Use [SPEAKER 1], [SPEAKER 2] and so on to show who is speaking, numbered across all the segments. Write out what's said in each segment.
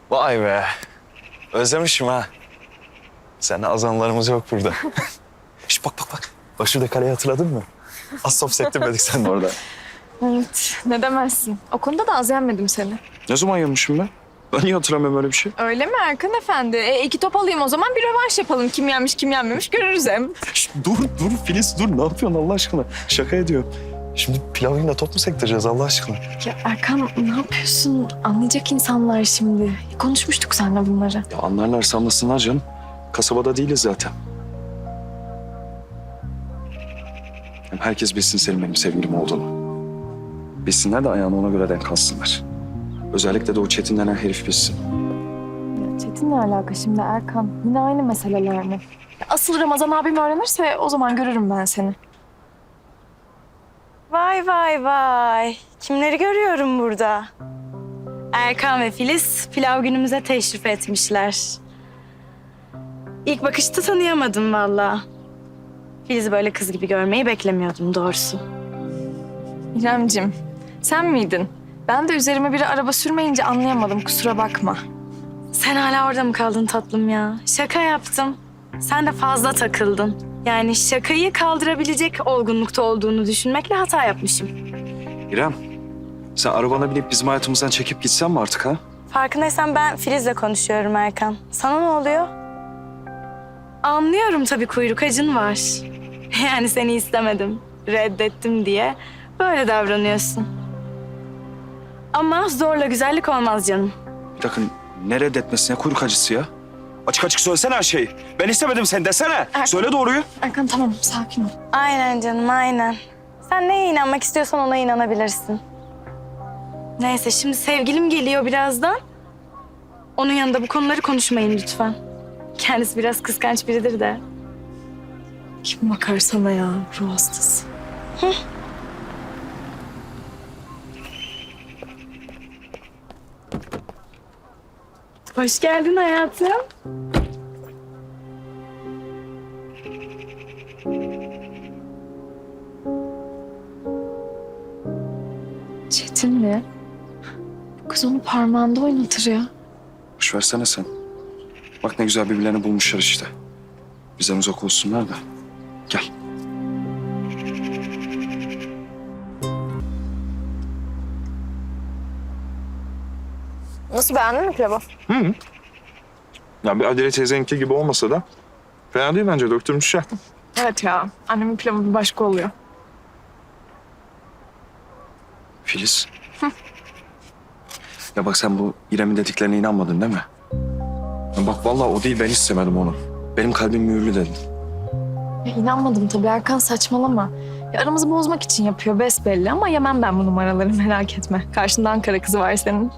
[SPEAKER 1] Vay be. Özlemişim ha. Seninle azanlarımız yok burada. Şş, bak bak bak. Bak şurada kaleyi hatırladın mı? Az top sektirmedik seninle orada.
[SPEAKER 2] Evet, ne demezsin. O konuda da az yenmedim seni.
[SPEAKER 1] Ne zaman yemişim ben? Ben niye hatırlamıyorum öyle bir şey?
[SPEAKER 2] Öyle mi Erkan Efendi? İki top alayım o zaman bir rövanş yapalım. Kim yenmiş kim yenmemiş görürüz hem.
[SPEAKER 1] Şş, dur Filiz dur. Ne yapıyorsun Allah aşkına? Şaka ediyorum. Şimdi pilavıyla top mu sektireceğiz Allah aşkına?
[SPEAKER 2] Ya Erkan ne yapıyorsun? Anlayacak insanlar şimdi. Konuşmuştuk seninle bunları.
[SPEAKER 1] Ya anlarlarsa anlasınlar canım. Kasabada değiliz zaten. Hem herkes bilsin senin benim sevgilim olduğunu. Bilsinler de ayağını ona göre denk alsınlar. Özellikle de o Çetin denen herif bilsin.
[SPEAKER 2] Ya Çetin'le alaka şimdi Erkan? Yine aynı meseleler mi? Asıl Ramazan abim öğrenirse o zaman görürüm ben seni.
[SPEAKER 3] Vay vay vay. Kimleri görüyorum burada? Erkan ve Filiz pilav günümüze teşrif etmişler. İlk bakışta tanıyamadım vallahi. Filiz'i böyle kız gibi görmeyi beklemiyordum doğrusu.
[SPEAKER 2] İremcim, sen miydin? Ben de üzerime biri araba sürmeyince anlayamadım, kusura bakma.
[SPEAKER 3] Sen hala orada mı kaldın tatlım ya? Şaka yaptım. Sen de fazla takıldın. Yani şakayı kaldırabilecek olgunlukta olduğunu düşünmekle hata yapmışım.
[SPEAKER 1] İrem, sen arabana binip bizim hayatımızdan çekip gitsen mi artık ha?
[SPEAKER 3] Farkındaysan ben Filiz'le konuşuyorum Erkan. Sana ne oluyor? Anlıyorum tabii kuyruk acın var. Yani seni istemedim, reddettim diye böyle davranıyorsun. Ama zorla güzellik olmaz canım.
[SPEAKER 1] Bir dakika, ne reddetmesi, ne kuyruk acısı ya? Açık açık söylesene her şeyi. Ben istemedim seni desene. Söyle doğruyu.
[SPEAKER 2] Erkan tamam, sakin ol.
[SPEAKER 3] Aynen canım, aynen. Sen neye inanmak istiyorsan ona inanabilirsin. Neyse, şimdi sevgilim geliyor birazdan. Onun yanında bu konuları konuşmayın lütfen. Kendisi biraz kıskanç biridir de.
[SPEAKER 2] Kim bakar sana ya, ruh hastası.
[SPEAKER 3] Hoş geldin hayatım.
[SPEAKER 2] Çetin mi? Bu kız onu parmağında oynatır ya.
[SPEAKER 1] Boş versene sen. Bak ne güzel birbirlerini bulmuşlar işte. Bizden uzak olsunlar da. Gel.
[SPEAKER 2] Nasıl, beğendin mi pilavı?
[SPEAKER 4] Ya bir Adile teyzeninki gibi olmasa da fena değil bence, döktürmüşler.
[SPEAKER 2] Evet ya, annemin pilavı bir başka oluyor.
[SPEAKER 1] Filiz. Ya bak sen bu İrem'in dediklerine inanmadın değil mi? Ya bak vallahi o değil, ben istemedim onu. Benim kalbim mühürlü dedim.
[SPEAKER 2] Ya inanmadım tabii Erkan, saçmalama. Ya aramızı bozmak için yapıyor besbelli ama yemem ben bu numaraları, merak etme. Karşında Ankara kızı var senin.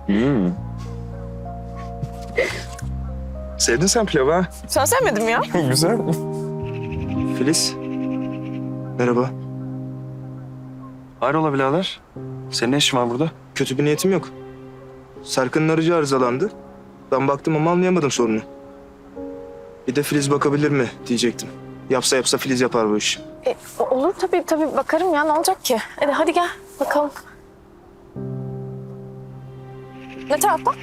[SPEAKER 4] Sevdin sen pilavı ha?
[SPEAKER 2] Sen sevmedin mi ya?
[SPEAKER 4] Güzel.
[SPEAKER 1] Filiz. Merhaba. Hayrola birader? Senin ne işin var burada?
[SPEAKER 5] Kötü bir niyetim yok. Serkan'ın aracı arızalandı. Ben baktım ama anlayamadım sorunu. Bir de Filiz bakabilir mi diyecektim. Yapsa Filiz yapar bu işi.
[SPEAKER 2] Olur tabii bakarım ya, ne olacak ki? Hadi gel bakalım. Ne tarafta?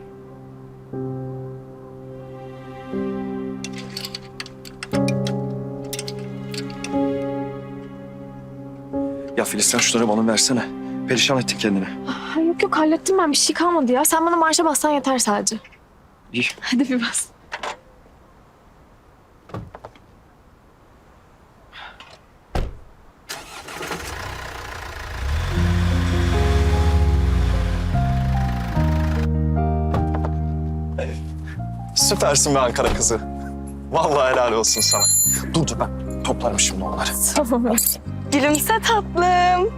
[SPEAKER 1] Ya Filiz sen şunları bana versene. Perişan ettin kendini.
[SPEAKER 2] Yok hallettim ben, bir şey kalmadı ya. Sen bana marşa bassan yeter sadece.
[SPEAKER 1] İyi.
[SPEAKER 2] Hadi bir bas.
[SPEAKER 1] Süpersin be Ankara kızı. Vallahi helal olsun sana. Dur ben toplarım şimdi onları.
[SPEAKER 2] Tamam.
[SPEAKER 3] Gülümse tatlım.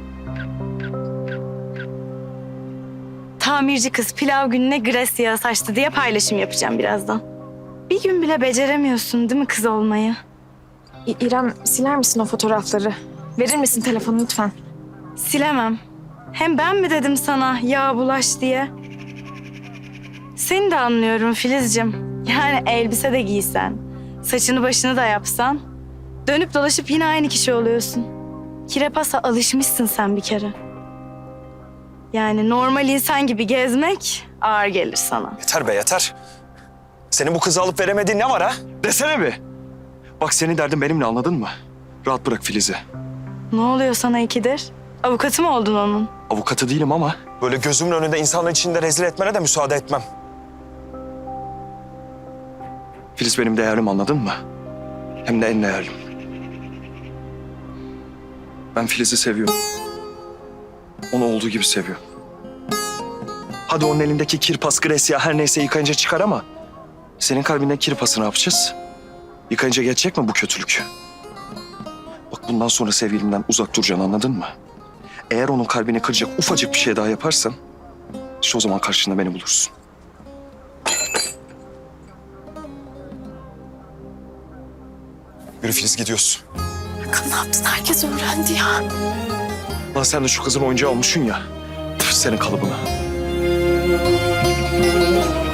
[SPEAKER 3] Tamirci kız pilav gününe gres yağı saçtı diye paylaşım yapacağım birazdan. Bir gün bile beceremiyorsun değil mi kız olmayı?
[SPEAKER 2] İrem, siler misin o fotoğrafları? Verir misin telefonu lütfen?
[SPEAKER 3] Silemem. Hem ben mi dedim sana yağ bulaş diye? Seni de anlıyorum Filizciğim. Yani elbise de giysen, saçını başını da yapsan... dönüp dolaşıp yine aynı kişi oluyorsun. Kirepasa alışmışsın sen bir kere. Yani normal insan gibi gezmek Ağır gelir sana.
[SPEAKER 1] Yeter be yeter. Senin bu kızı alıp veremediğin ne var ha? Desene bir. Bak senin derdin benimle, anladın mı? Rahat bırak Filiz'i.
[SPEAKER 3] Ne oluyor sana ikidir? Avukatı mı oldun onun?
[SPEAKER 1] Avukatı değilim ama böyle gözümün önünde insanların içinde rezil etmene de müsaade etmem. Filiz benim değerlim, anladın mı? Hem de en değerlim. Ben Filiz'i seviyorum. Onu olduğu gibi seviyorum. Hadi onun elindeki kirpas, Gresya her neyse yıkayınca çıkar ama... senin kalbinde kirpası ne yapacağız? Yıkayınca geçecek mi bu kötülük? Bak bundan sonra sevgilimden uzak duracaksın, anladın mı? Eğer onun kalbini kıracak ufacık bir şey daha yaparsan... işte o zaman karşında beni bulursun. Yürü Filiz, gidiyoruz.
[SPEAKER 2] Erkan ne yaptın? Herkes öğrendi ya.
[SPEAKER 1] Lan sen de şu kızın oyuncağı olmuşsun ya. Tüh, senin kalıbına.